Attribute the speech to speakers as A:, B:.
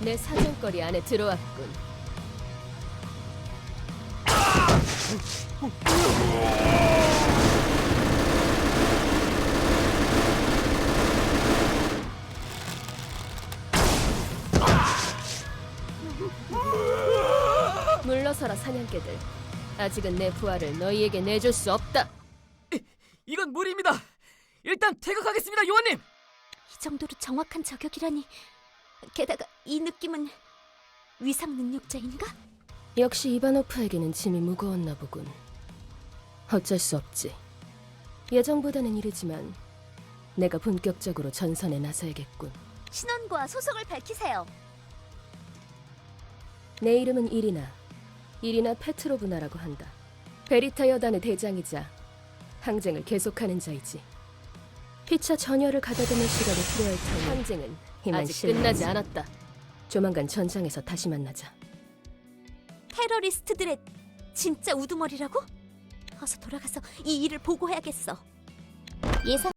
A: 내 사정거리 안에 들어왔군. 물러서라 사냥개들. 아직은 내 부하를 너희에게 내줄 수 없다.
B: 이건 무리입니다. 일단 퇴각하겠습니다, 요원님.
C: 이 정도로 정확한 저격이라니. 게다가 이 느낌은 위상 능력자인가?
A: 역시 이바노프에게는 짐이 무거웠나 보군. 어쩔 수 없지. 예정보다는 이르지만 내가 본격적으로 전선에 나서야겠군.
C: 신원과 소속을 밝히세요.
A: 내 이름은 이리나 페트로브나라고 한다. 베리타 여단의 대장이자 항쟁을 계속하는 자이지. 피차 전열을 가다듬을 시간이 필요할 테니 항쟁은 이만 아직 끝나지 않았다. 조만간 전장에서 다시 만나자.
C: 테러리스트들의 진짜 우두머리라고? 어서 돌아가서 이 일을 보고해야겠어. 예상